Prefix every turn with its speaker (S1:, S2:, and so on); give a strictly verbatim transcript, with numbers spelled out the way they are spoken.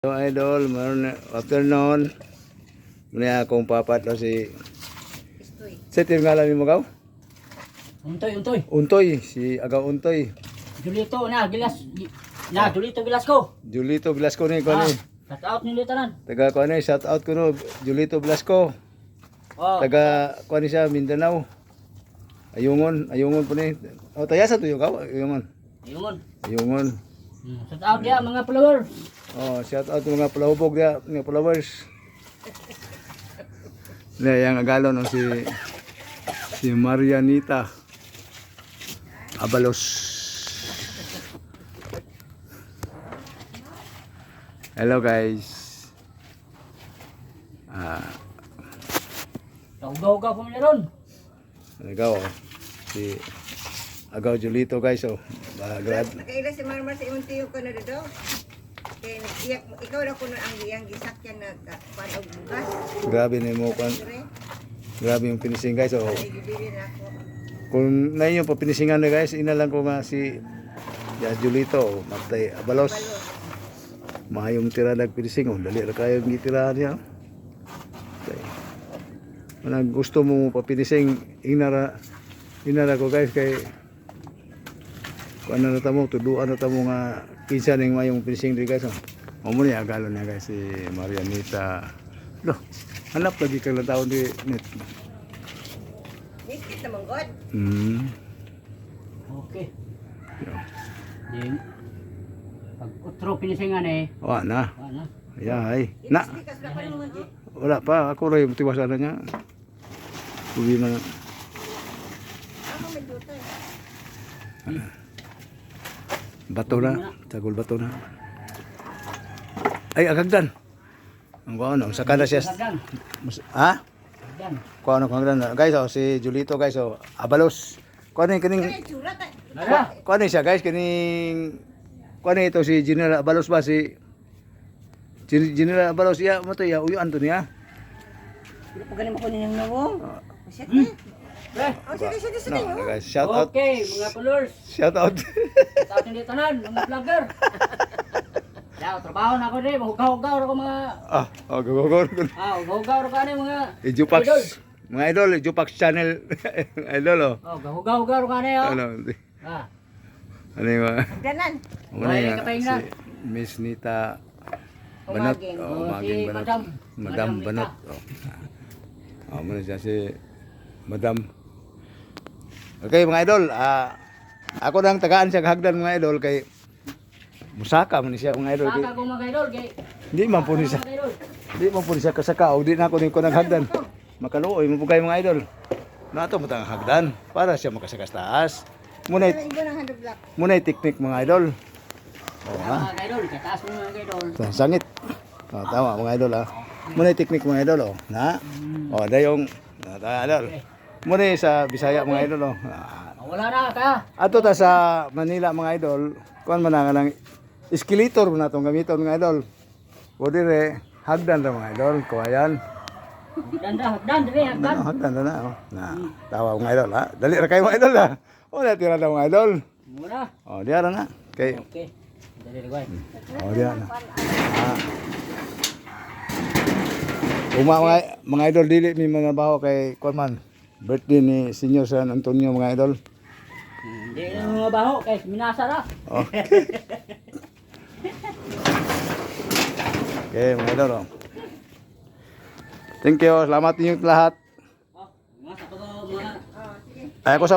S1: So idol, maroon afternoon. Muna akong papat o si sa tingalan mo gaw?
S2: Untoy, untoy.
S1: Untoy, si Agaw Untoy.
S2: Julito na, gilas. Na, Julito Velasco.
S1: Julito Velasco ni ko
S2: Ah,
S1: ni.
S2: shout out ni Litanan.
S1: Taga ko ni, shout out ko no, Julito Velasco.
S2: Oh.
S1: Taga ko ni siya Mindanao. Ayungon, ayungon po ni. O tayasa to yung gaw, ayungon.
S2: Ayun.
S1: Ayungon.
S2: Hmm, shout out dia mga follower.
S1: Oh, shout out mga palahubog dia, mga followers. Na yang agalon no, si si Marianita Abalos. Hello guys. Ah,
S2: Ugaw-ugaw po meron.
S1: nagaw oh. Si Agaw Julito guys oh. Bagrad.
S3: Nakaila si Marmar sa imong tiyo ko na dito. Kaya iyak, ikaw na kuno ang iyang gisakyan na panog bugas.
S1: Grabe ni mo kan. Grabe yung finishing guys oh.
S3: Ay, gibili na ako.
S1: Kung na yung papinisingan na guys, ina lang ko nga si ya Julito oh, Matay Abalos. Mahayong tira nagpinising oh, dali ra kayo gitirahan niya. Okay. Manang gusto mo papinising inara inara ko guys kay kuan na tamo tuduan na tamo nga kinsa ning mayong finishing di guys oh. Mo ni agalon niya guys si Marianita. Lo, hanap lagi kang taon di net.
S3: Nikit naman god.
S1: Hmm.
S2: Okay.
S1: Yeah.
S2: Din. Pag utro pinisingan eh.
S1: Wa na.
S2: Ano?
S1: Ay, na.
S3: Ikas na pa naman oh.
S1: Wala pa, ako rin tiwasan na niya. Uwi na.
S3: Ako may duta.
S1: Bato na, tagol bato na. Ay, agagdan. Ang kuha ano, saka na siya.
S2: Sagdan.
S1: Ha?
S2: Sagdan.
S1: Kuha ano, kuha ano. Guys, oh, si Julito guys, oh, Abalos. Kuha ano yung kining,
S3: Ay, tsura ta.
S2: Nara.
S1: kuha ano siya guys, kining, kuha ano ito si General Abalos ba, si Gen- General Abalos, iya, mo to, iya, uyuan to niya.
S3: Hindi pa galing makunin yung nawong. Shit
S2: Hmm.
S3: eh.
S2: Eh.
S3: Oh, sige, sige, sige.
S1: No,
S3: oh.
S1: guys, shout out.
S2: Okay, mga followers.
S1: Shout out.
S2: Shout out ni Litanan, mga vlogger. Ya, trabaho na ako din, mahugaw-hugaw ako mga
S1: Ah, oh, go, go, go, go.
S2: ah, hugaw-hugaw ako ani mga
S1: Ijupax.
S2: idol.
S1: Mga idol, Ijupax channel. Idol, oh.
S2: Oh, hugaw-hugaw ako ani oh.
S1: Ano,
S2: Ah.
S1: ano yung mga...
S3: Danan.
S1: Muna
S2: Ay,
S1: yung
S2: kapahinga.
S1: si Miss Nita Banat.
S3: Umagin.
S1: Oh,
S2: Oh,
S1: Umagin
S2: si
S1: Banat.
S2: Madam.
S1: Madam
S2: Madam
S1: Banat. Oh. Oh, muna siya si Madam. Okay mga idol, ah ako nang tagaan siya hagdan mga idol kay musaka man siya mga idol. Di,
S2: Saka ko mga idol kay.
S1: di man po ni siya.
S2: Mga idol.
S1: Di man po ni siya kasaka o di na ako ni ko naghagdan. Makaluoy mo po kayo mga idol. Nato mo tang hagdan para siya makasakas taas. Muna
S3: Pero iba ng hand block.
S1: muna technique mga idol. Oh, ha.
S2: Mga idol, kataas mo mga idol.
S1: Sa sangit. Oh, tama mga idol ha. Muna yung technique mga idol oh. Na. Oh, dayong na idol. Muna yung sa Bisaya mga idol oh. Ah,
S2: Ah, wala na ka.
S1: ato ta sa Manila mga idol, kuan man nga lang escalator mo na tong gamiton mga idol. O dire hagdan ra mga idol, kuwayan.
S2: Danda, dan dire
S1: Ano
S2: hagdan.
S1: hagdan ra na oh. Na, tawa mga idol ha. Dali ra kayo mga idol ha. O na tira na mga idol.
S2: Muna.
S1: O diara na. Kay
S2: Okay. Dali rigway.
S1: o diara na. Ah. Uma mga, mga idol dili mi mga baho kay kuan man. Birthday ni Senior San Antonio mga idol.
S2: Hindi na mga baho kay minasa ra.
S1: Oh. Okay, mga idol. Oh. Thank you. Salamat niyo lahat.
S2: Oh, mga sa mga
S1: Ay, ako sa